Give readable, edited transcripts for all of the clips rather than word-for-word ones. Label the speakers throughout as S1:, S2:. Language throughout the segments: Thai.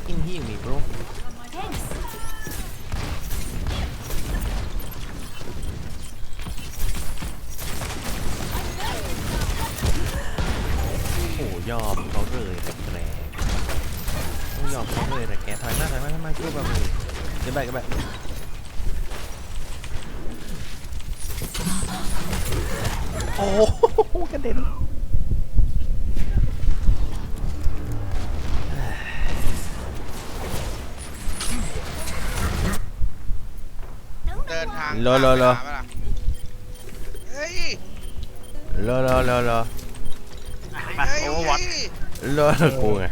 S1: fucking heal me bro โอ้ยอมเขาเลยแต่แกต้องยอมเขาเลยแต่แกถอยมาทำไมช่วยแบบนี้เดี๋ยวไปโอ้โหกระเด็น
S2: เดินทาง
S1: รอ
S2: เฮ้ย
S1: รอ
S3: มาโอเวอร์วอต
S1: กูไง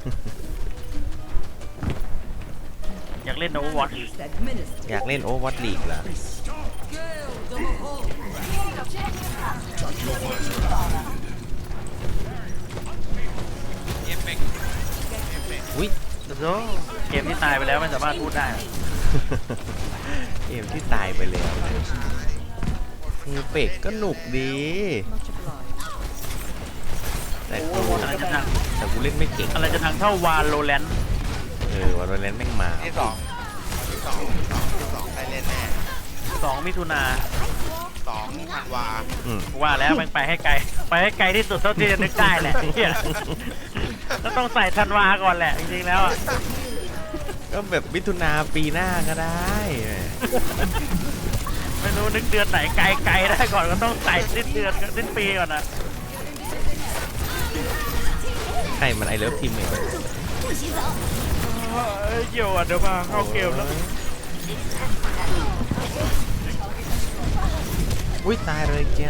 S3: อยากเล่นโอเวอร์วอต
S1: อยากเล่นโอวัตลีกเหรออุ้ย
S3: โอ้เกมที่ตายไปแล้วไม่สามารถพูดได้
S1: เกมที่ตายไปแล้วคือเป็กก็หนุกดีแต่กูเล่นไม่เก่ง
S3: อะไรจะทางเท่าวาโลแรนต์
S1: วันเล่นแม่งมา
S2: ที่สองใครเล่นแน่
S3: 2 มิถุนา
S2: 2 ธันวา
S3: ว่าแล้วแม่งไปให้ไกลที่สุดเท่าที่จะนึกได้แหละก็ต้องใส่ธันวาก่อนแหละจริงๆแล้ว
S1: ก็แบบมิถุนาปีหน้าก็ได้
S3: ไม่รู้นึกเดือนไหนไกลได้ก่อนก็ต้องใส่สิ้นเดือนสิ้นปีก่อนนะ
S1: ใครมันไอเลิฟทีมเอง
S3: เกี่ยวอ่ะเดี๋ยวมาเข้าเกมแล้ว
S1: อุ้ยตายเลยจ้า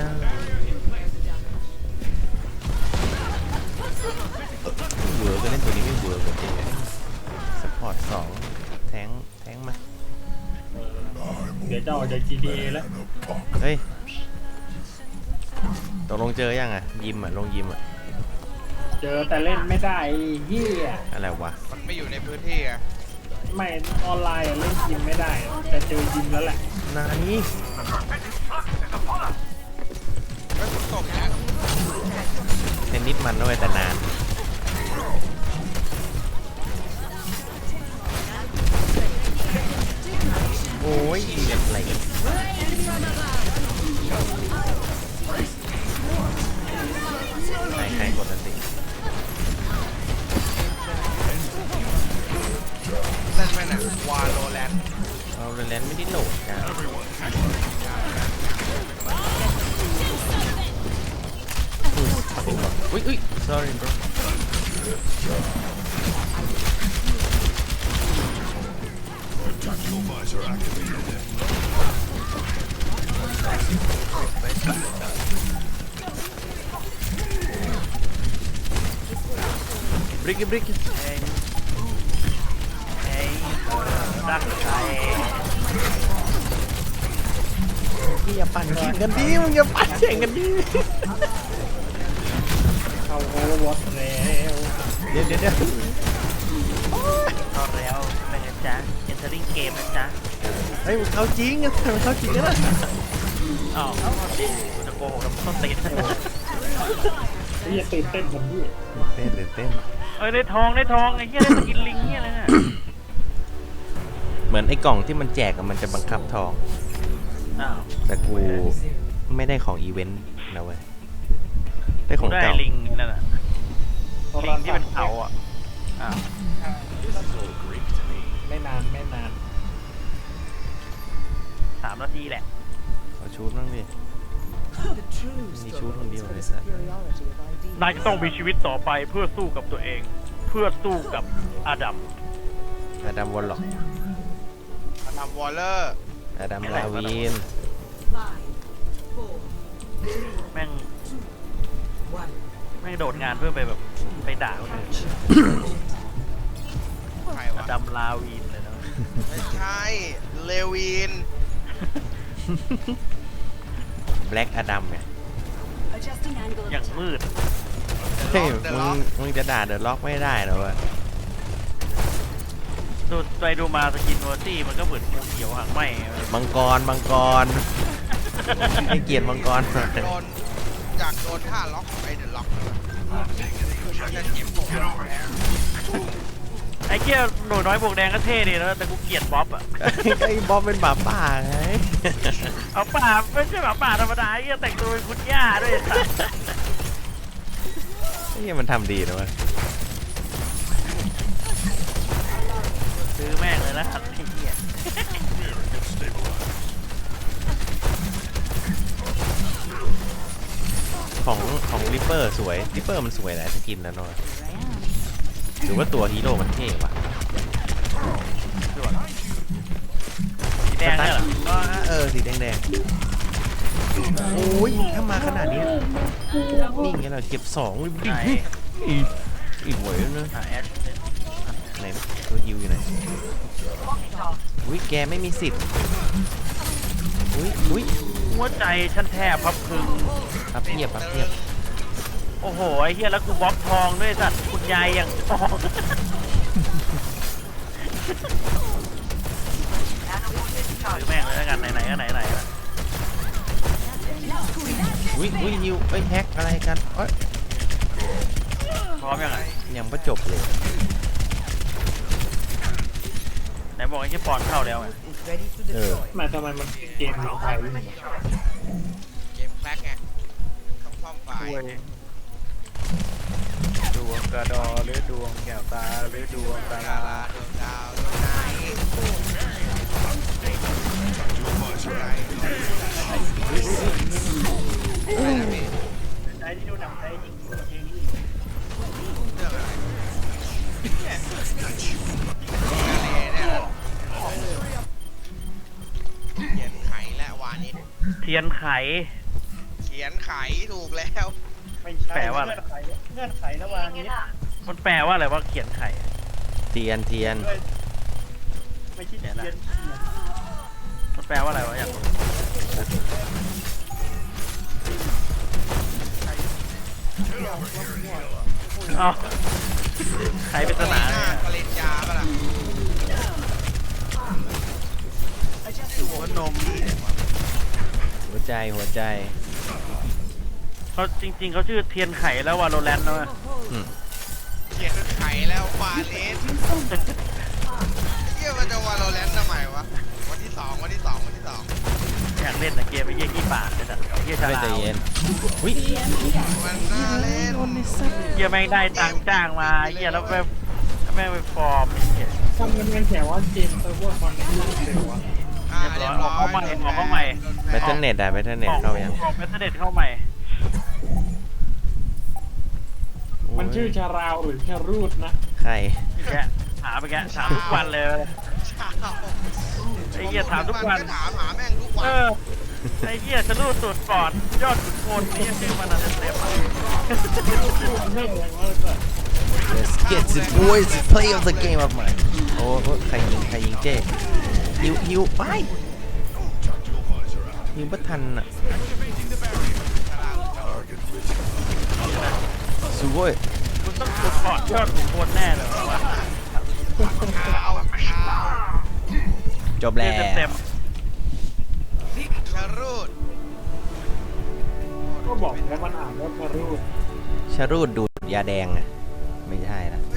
S1: เวิร์กก็เล่นตัวนี้ไม่เวิร์กจริงสปอร์ต2แทงมา
S3: เดี๋ยวจะออกจาก GTA แล้ว
S1: เฮ้ยตกลงเจอยังอ่ะยิมอ่ะลงยิมอ่ะ
S3: เจอแต่เล่นไม่ได้เฮีย
S1: อะไรวะ
S2: มันไม่อยู่ในพื้นที่อะ
S3: ไม่ออนไลน์เล่นยิมไม่ได้แต่เจอยิมแล้วแหละ
S1: นานี่
S2: ไม่ฝนตกนะ
S1: เทนนิสมันด้วยแต่นานโอ้ยอะไรใครกดอันติ
S2: เล่นไหมนะวาโลแรนต์
S1: ไม่ได้โหลดนะอุ้ย sorry bro break it
S3: รักใคร
S1: อย่าปั่นแข่งกันดิมึงอย่าปั่นแข่งกันดิ
S3: เข้าโอเวอร์วอตแล้ว
S1: เดี๋ยว
S3: เข้าแล้วเป็นไงจ๊ะ entering game นะจ๊ะ
S1: เฮ้ยมึงเข้าจริงนะมึงเข้าจริงนะ
S3: อ้าวจะโกหกแล้วมึงต้องติดนี่ตื่นเต้นผมดิ
S1: เต้น
S3: ได้ทองไอ้เหี้ยได้สกินลิงเหี้ยอะไรเนี่ย
S1: เหมือนไอ้กล่องที่มันแจกมันจะบังคับทองแต่กูไม่ได้ของอีเวนต์นะเว้ยได้ของเก่า
S3: ลิงนั่นน่ะลิงที่เป็นเขาอ่ะไม่นาน3 นาทีแหละ
S1: ขอชูดบ้างดิมีชูดคนเดียวเลยสัส
S3: นายจะต้องมีชีวิตต่อไปเพื่อสู้กับตัวเองเพื่อสู้กับอดัม
S1: วอลล็อก
S2: อดัมวอลเลอร์
S1: อดัมลาวีน
S3: แม่งโดดงานเพื่อไปแบบไปด่าคนอื่นอดัมลาวีนเลยนะ
S2: ไม่ใช่เลวิน
S1: แบล็กอดัมไง
S3: อย่างมืด
S1: เฮ้ยมึงจะด่าเดอะล็อกไม่ได้หรอวะ
S3: ดูไปดูมาสกินวอร์ตี้มันก็เหมือนเขียวหางไหม
S1: มังกรให้เกียรติมังกร
S2: จากโดนท่าล็อกไปเดอะล็อกมันจะเจ็บปวด
S3: ไอ้อ้เหี้ยหนูน้อยบวกแดงก็เท่ดีนะแต่กูเกลียดบ๊อบอะ
S1: ไอ้บอมเป็นหมาป่าไง
S3: เอาป่าไม่ใช่หมาป่าธรรมดาไอ้เหี้ยแต่งตัวเป็นคุณย่าด้วยไอ้สัส
S1: ไอ้เหี้ยมันทำดีนะเว้ย
S3: ซื้อแม่งเลยนะไอ้เหี้ย
S1: ของริปเปอร์สวยริปเปอร์มันสวยแหละสกินแล้วเนาะหรือว่าตัวฮีโร่มันเท่วะ
S3: สีแดงเนี่ยเหรอ
S1: สีแดงโอ้ยถ้ามาขนาดนี้นี่ไงเราเก็บ2เลยดิ
S3: ไหน
S1: อีกหวยนะ
S3: แอช
S1: ไหนตัวฮิวอยู่ไหนอุ้ยแกไม่มีสิทธิ์อุ้ย
S3: หัวใจฉันแทบพับพึง
S1: พับเพียบ
S3: โอ้โหไอ้เหี้ยแล้วกูบล็อกทองด้วยสัตว์คุณยายอย่างทองซื้อแม่งเลยแล้วกันไหนๆก็ไหนๆละ
S1: อุ้ยฮิวแฮกอะไรกันเอ้ย
S3: พร้อมยังไง
S1: ยังไม่จบเลย
S3: ไหนบอกไอ้ที่ปอนเข้าแล้วไง
S4: ทำไมมันเกมของไทยไม่เหมือนกัน
S2: เกมแคลกไงต้องซ่อมไฟล์
S5: ดวงกระดอหรือดวงแก้วตาหรือดวงตา
S2: ดา
S5: ลา
S2: ราดวงดาวดวงไหนอะไรนะพี่
S4: ไอ้ที่ดูหนังไทยจริง
S2: เรื่องอะไรเขียนไขและวานิช
S3: เทียนไข
S2: เขียนไขถูกแล้ว
S4: ไม่ใช่
S3: แปลว่าอะไร
S4: เงื่อนไขระหว่างนี้
S3: มันแปลว่าอะไรว่าเขียนไข
S1: เทียน
S4: ไม่ใช่เทียน
S3: มันแปลว่าอะไรวะอยากรู้อ้าวไขปริศนา
S2: หน้าปริญญาปะล่ะ
S5: หัวนม
S1: หัวใจ
S3: เขาจริงๆเขาชื่อเทียนไขแล้ววาโลแรนต์นะเว้ย
S2: เขียนไขแล้ววาเลสเยี่ยมันจะวาโลแรนต์ทำไมวะวันที่สอง
S3: อยากเล่นนะเกมไอ้เหี้ยขี้ปากเลยสัตว์เหี้ยฉ
S1: ไม่
S3: ลา
S1: ใจ
S3: ว
S1: เย็นอุ้ย
S2: มันน่าเล่น
S3: เหี้ยแม่งได้ตังค์จ้างมาเหี้ยแล้วแม่งไปฟอร์มเหี้ย
S4: ทำกันแถวว่าเกมเซิร์ฟเวอร์คอนเนคชั่นเร็วอะ
S3: เรียบร้อยออกเข้าใหม่ออกเข้าใหม่
S1: แบตเทิลเน็ตเข้ายัง
S3: ออกเมสเดตเข้าใหม่
S4: มันชื่อชาราวหรือชารูดนะ
S1: ใคร
S3: แกหาไปแกถามทุกวันเลยไอ้เหี้ยถามทุกวัน
S2: ก็ถามหาแม่งทุกวัน
S3: ไอ้เหี้ยจะรูดสูตรปอดยอดขุนพลนี่ชื่อมันอะไรเต็มๆ
S4: มันเริ่มแรงว่าจะ
S1: Let's get the boys to play of the game of mine โอ้ใครยิงเจ๊ฮิวไปยิงไม่ทันอ่ะสู้เว้ย
S3: คุณต้องสูตรปอดยอดขุนพลแน่เลยวะ
S2: เอา
S1: จบแล้ว
S3: เต็ม
S2: ชารูด
S4: ก็บอกแล้วมันอ่านว่าชารูด
S1: ชารูดดูดยาแดงอ่ะไม่ใช่นะ